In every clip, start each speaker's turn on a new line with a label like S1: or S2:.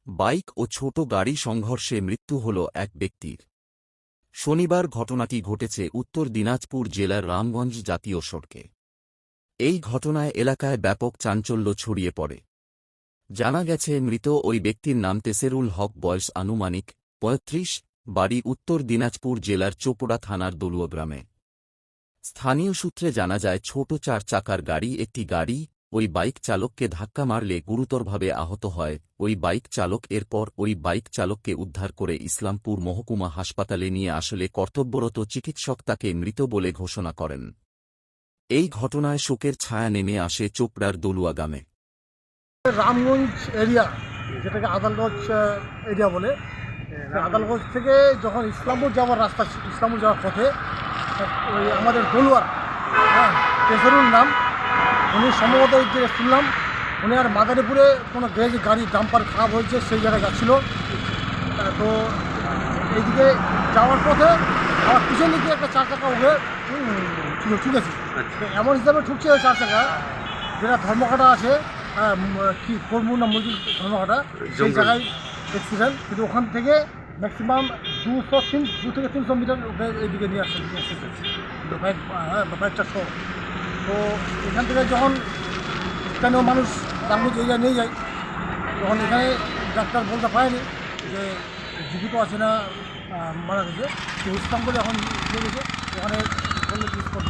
S1: Bike ও ছোট গাড়ি সংঘর্ষে মৃত্যু হল এক ব্যক্তির। শনিবার ঘটনাটি ঘটেছে উত্তর দিনাজপুর জেলার রামগঞ্জ জাতীয় সড়কে। এই ঘটনায় এলাকায় ব্যাপক চাঞ্চল্য ছড়িয়ে পড়ে। জানা গেছে, মৃত ওই ব্যক্তির নাম তেসেরুল হক, বয়স আনুমানিক ৩৫, বাড়ি উত্তর দিনাজপুর জেলার চোপড়া থানার দলুয়া গ্রামে। স্থানীয় সূত্রে জানা যায়, ছোট ৪ চাকার একটি গাড়ি ওই বাইক চালককে ধাক্কা মারলে গুরুতরভাবে আহত হয় ওই বাইক চালক। এরপর ওই বাইক চালককে উদ্ধার করে ইসলামপুর মহকুমা হাসপাতালে নিয়ে আসলে কর্তব্যরত চিকিৎসক তাকে মৃত বলে ঘোষণা করেন। এই ঘটনায় শোকের ছায়া নেমে আসে চোপড়ার দলুয়া গ্রামে।
S2: রামগঞ্জ এরিয়া, যেটাকে আদালগঞ্জ এরিয়া বলে, আদালগঞ্জ থেকে যখন ইসলামপুর যাওয়ার রাস্তা, ইসলামপুর যাওয়ার পথে ওই আমাদের দলুয়ার তেসেরুল নাম, উনি সম্ভবত যে শুনলাম উনি আর মাদারীপুরে কোনো গ্যারেজে গাড়ি ডাম্পার খারাপ হয়েছে, সেই জায়গায় যাচ্ছিল। তো এইদিকে যাওয়ার পথে আমার পিছন দিকে একটা ৪ চাকা উঠে ঠিক আছে, এমন হিসাবে ঠুকছে ৪ চাকা, যেটা ধর্মঘাটা আছে, কি কর্মু না মুরগি ধর্মঘাটা, সেই জায়গায় অ্যাক্সিডেন্ট। কিন্তু ওখান থেকে ম্যাক্সিমাম 2 থেকে 300 মিটার এইদিকে নিয়ে আসছে বাইকটা সহ। তো এখান থেকে যখন স্থানীয় মানুষ রামগঞ্জ এরিয়া নিয়ে যায়, তখন এখানে ডাক্তার বলতে পারেনি যে জীবিত আছে না মারা গেছে। তো ইসলাম করে এখন নিয়ে গেছে, ওখানে বললে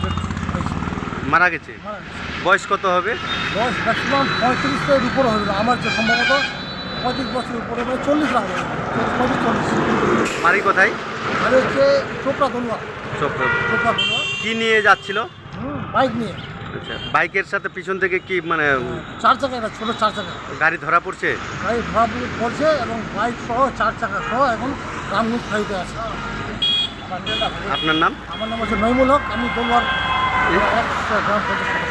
S3: মারা গেছে। বয়স কত হবে?
S2: বয়স ম্যাক্সিমাম 35-এর উপরে হবে, আমার যে সম্ভবত 35 বছরের উপরে, মানে 40 লাগবে, 35-40।
S3: বাড়ি কোথায়?
S2: আর হচ্ছে চোপড়া দলুয়া।
S3: চোপড়া
S2: দলুয়া
S3: কি নিয়ে যাচ্ছিল?
S2: বাইক নিয়ে।
S3: আচ্ছা, বাইকের সাথে পিছন থেকে কি মানে
S2: 4 চাকা, একটা ছোটো 4 চাকা
S3: গাড়ি ধরা পড়ছে?
S2: গাড়ি ধরা পড়ছে এবং বাইক সহ 4 চাকা সহ এখন রামগঞ্জ ফাইতে আছে।
S3: আপনার নাম?
S2: আমার নাম হচ্ছে নইমুল হক, আমি দলুয়ার গ্রাম পঞ্চায়েত।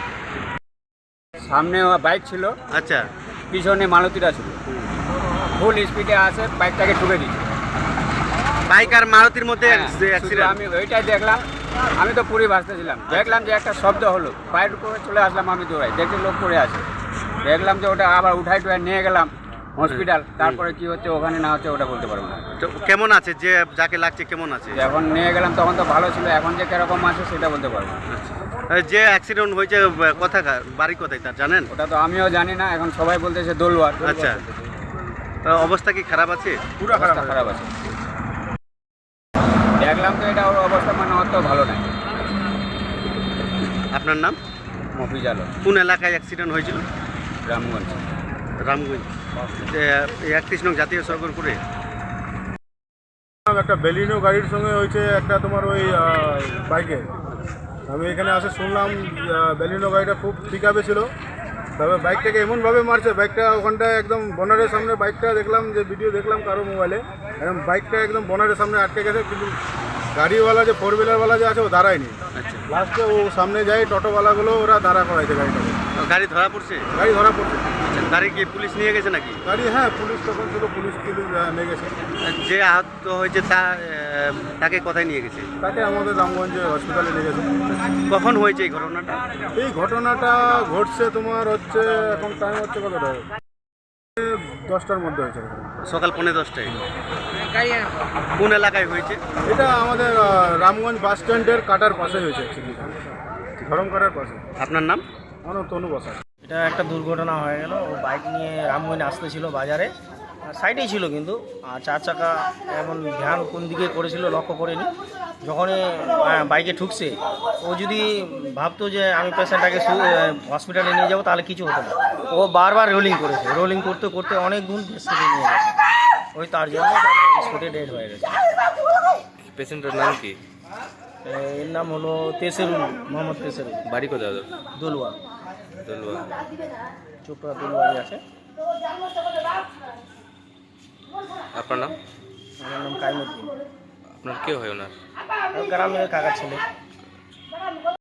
S4: সামনে বাইক ছিল,
S3: আচ্ছা,
S4: পিছনে মালতীরা ছিল, ফুল স্পিডে আসে বাইকটাকে ঠুকে দিচ্ছে।
S3: বাইক আর মারুতির মধ্যে
S4: শুধু
S3: অ্যাক্সিডেন্ট।
S4: আমি ওইটাই দেখলাম, আমি তো পুরী ভাসতেছিলাম, দেখলাম যে একটা শব্দ হলো, বাইরের উপরে চলে আসলাম, আমি দৌড়াই, দেখি লোক পড়ে আছে, দেখলাম যে ওটা আবার উঠাই নিয়ে গেলাম হসপিটাল। তারপরে কি হচ্ছে ওখানে না হচ্ছে ওটা বলতে পারবো না।
S3: তো কেমন আছে যে যাকে লাগছে, কেমন আছে?
S4: যখন নিয়ে গেলাম তখন তো ভালো ছিল, এখন যে কিরকম আছে সেটা বলতে পারবো না।
S3: যে অ্যাক্সিডেন্ট হয়েছে কোথাকার, বাড়ি কোথায় তার জানেন?
S4: ওটা তো আমিও জানি না, এখন সবাই বলতেছে দলুয়ার।
S3: আচ্ছা, অবস্থা কি খারাপ আছে?
S4: পুরো খারাপ আছে। দেখলাম তো এটা ওর অবস্থা মানে অত ভালো নাই।
S3: আপনার নাম?
S4: মফিজ আলম।
S3: কোন এলাকায় অ্যাক্সিডেন্ট হয়েছিল?
S4: রামগঞ্জ।
S3: রামগঞ্জ 31 নং জাতীয় সড়কের উপরে।
S5: একটা বেলিনো গাড়ির সঙ্গে হয়েছে একটা তোমার ওই বাইকে। আমি এখানে আসে শুনলাম বেলিনো গাড়িটা খুব পিকআপে ছিল, তবে বাইকটাকে এমনভাবে মারছে, বাইকটা ওখানটায় একদম বনারের সামনে, বাইকটা দেখলাম যে ভিডিও দেখলাম কারো মোবাইলে, একদম বাইকটা একদম বনারের সামনে আটকে গেছে, কিন্তু গাড়িওয়ালা যে 4 হুইলারওয়ালা যে আছে ও দাঁড়ায়নি।
S3: আচ্ছা,
S5: লাস্টে ও সামনে যায়, টোটোওয়ালাগুলো ওরা দাঁড়া করাইছে গাড়িটাকে।
S3: গাড়ি ধরা পড়ছে?
S5: গাড়ি ধরা পড়ছে।
S3: আচ্ছা, গাড়ি কি পুলিশ নিয়ে গেছে নাকি?
S5: গাড়ি, হ্যাঁ, পুলিশ তখন ছিল, পুলিশ নিয়ে গেছে।
S3: যে আহত হয়েছে তাকে কোথায় নিয়ে গেছে?
S5: তাকে আমাদের রামগঞ্জে হসপিটালে নিয়ে গেছে।
S3: কখন হয়েছে এই ঘটনাটা?
S5: এই ঘটনাটা ঘটছে তোমার হচ্ছে, এখন টাইম হচ্ছে কতটা, 10টার মধ্যে হয়েছে।
S3: সকাল 10:15টায়। কোন এলাকায় হয়েছে?
S5: এটা আমাদের রামগঞ্জ বাস স্ট্যান্ডের কাটার পাশে হয়েছে, ধরম কাটার পাশে।
S3: আপনার নাম?
S5: আমার নাম তনু বসা।
S6: এটা একটা দুর্ঘটনা হয়ে গেল। ও বাইক নিয়ে রামগঞ্জ আসতেছিল বাজারে, সাইডেই ছিল কিন্তু, আর 4 চাকা এমন ধ্যান কোন দিকে করেছিল লক্ষ্য করেনি। যখনই বাইকে ঠুকছে, ও যদি ভাবতো যে আমি পেশেন্টটাকে হসপিটালে নিয়ে যাবো তাহলে কিছু হতো না, ও বারবার রোলিং করেছে, রোলিং করতে করতে অনেক দূর স্পিডে নিয়ে গেছে, ওই তার জন্য স্পটে ডেড হয়ে গেছে।
S3: পেশেন্টের নাম কি?
S6: এর নাম হলো তেসেরুল, মোহাম্মদ তেসেরুল।
S3: বাড়ি কোথায়?
S6: দলুয়া।
S3: দলুয়া।
S6: চোপড়া দলুয়ারি আছে।
S3: আপনার নাম?
S6: আমার নাম কাইমুদ্দিন।
S3: আপনার কে হয় ওনার?
S6: গ্রামের কাকা ছেলে।